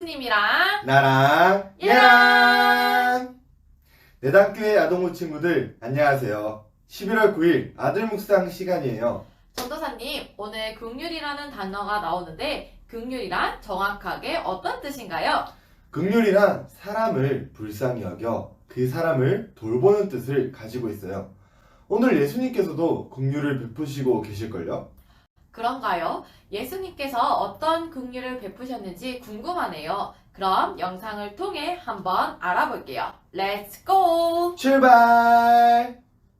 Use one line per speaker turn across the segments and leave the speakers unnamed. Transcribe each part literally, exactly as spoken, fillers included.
님이랑
나랑 얘랑 내담교회 아동부 친구들 안녕하세요. 십일월 구일 아들 묵상 시간이에요.
전도사님, 오늘 긍휼이라는 단어가 나오는데 긍휼이란 정확하게 어떤 뜻인가요?
긍휼이란 사람을 불쌍히 여겨 그 사람을 돌보는 뜻을 가지고 있어요. 오늘 예수님께서도 긍휼을 베푸시고 계실걸요?
그런가요? 예수님께서 어떤 긍휼을 베푸셨는지 궁금하네요. 그럼 영상을 통해 한번 알아볼게요. 렛츠 고!
출발!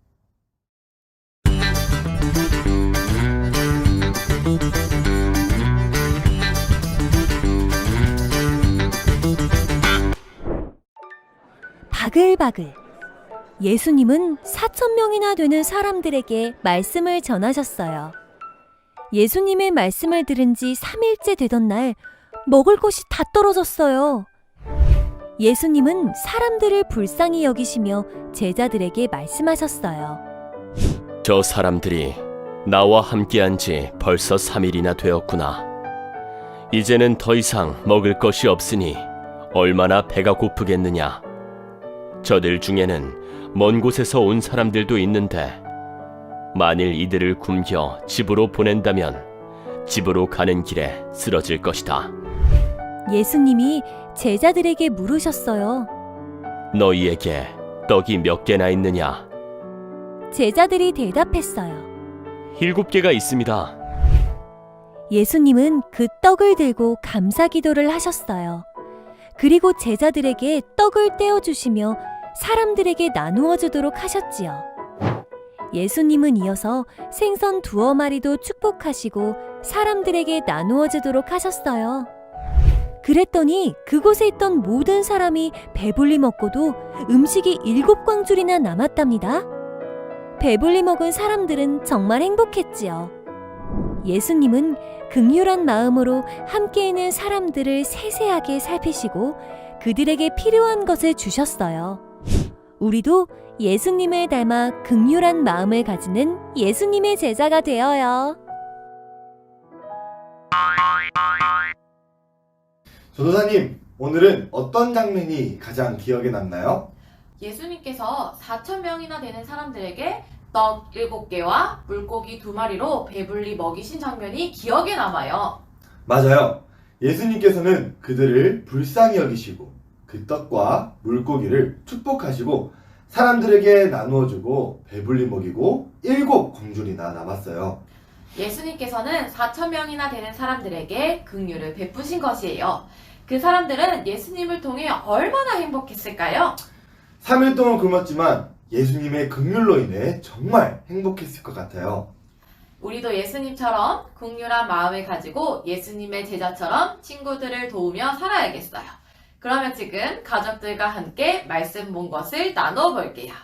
바글바글. 예수님은 사천 명이나 되는 사람들에게 말씀을 전하셨어요. 예수님의 말씀을 들은 지 삼 일째 되던 날 먹을 것이 다 떨어졌어요. 예수님은 사람들을 불쌍히 여기시며 제자들에게 말씀하셨어요.
저 사람들이 나와 함께한 지 벌써 삼 일이나 되었구나. 이제는 더 이상 먹을 것이 없으니 얼마나 배가 고프겠느냐. 저들 중에는 먼 곳에서 온 사람들도 있는데 만일 이들을 굶겨 집으로 보낸다면 집으로 가는 길에 쓰러질 것이다.
예수님이 제자들에게 물으셨어요.
너희에게 떡이 몇 개나 있느냐?
제자들이 대답했어요.
일곱 개가 있습니다.
예수님은 그 떡을 들고 감사 기도를 하셨어요. 그리고 제자들에게 떡을 떼어주시며 사람들에게 나누어 주도록 하셨지요. 예수님은 이어서 생선 두어 마리도 축복하시고 사람들에게 나누어 주도록 하셨어요. 그랬더니 그곳에 있던 모든 사람이 배불리 먹고도 음식이 일곱 광줄이나 남았답니다. 배불리 먹은 사람들은 정말 행복했지요. 예수님은 긍휼한 마음으로 함께 있는 사람들을 세세하게 살피시고 그들에게 필요한 것을 주셨어요. 우리도 예수님을 닮아 긍휼한 마음을 가지는 예수님의 제자가 되어요.
전도사님, 오늘은 어떤 장면이 가장 기억에 남나요?
예수님께서 사천 명이나 되는 사람들에게 떡 일곱 개와 물고기 두 마리로 배불리 먹이신 장면이 기억에 남아요.
맞아요. 예수님께서는 그들을 불쌍히 여기시고 그 떡과 물고기를 축복하시고 사람들에게 나누어주고 배불리 먹이고 일곱 광줄이나 남았어요.
예수님께서는 사천 명이나 되는 사람들에게 긍휼을 베푸신 것이에요. 그 사람들은 예수님을 통해 얼마나 행복했을까요?
삼 일 동안 굶었지만 예수님의 긍휼로 인해 정말 행복했을 것 같아요.
우리도 예수님처럼 긍휼한 마음을 가지고 예수님의 제자처럼 친구들을 도우며 살아야겠어요. 그러면 지금 가족들과 함께 말씀 본 것을 나눠 볼게요.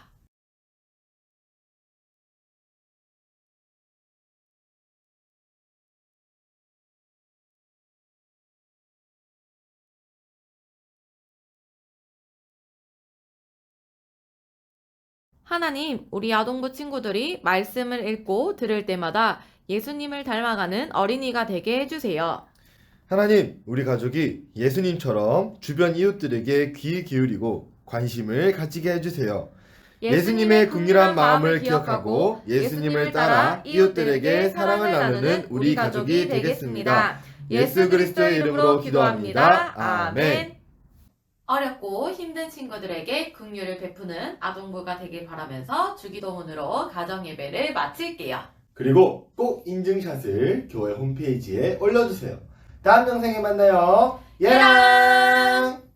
하나님, 우리 아동부 친구들이 말씀을 읽고 들을 때마다 예수님을 닮아가는 어린이가 되게 해주세요.
하나님, 우리 가족이 예수님처럼 주변 이웃들에게 귀 기울이고 관심을 가지게 해주세요. 예수님의 긍휼한 마음을 기억하고 예수님을 따라 이웃들에게 사랑을 나누는 우리 가족이 되겠습니다. 예수 그리스도의 이름으로 기도합니다. 아멘.
어렵고 힘든 친구들에게 긍휼을 베푸는 아동부가 되길 바라면서 주기도문으로 가정예배를 마칠게요.
그리고 꼭 인증샷을 교회 홈페이지에 올려주세요. 다음 영상에 만나요. 예랑!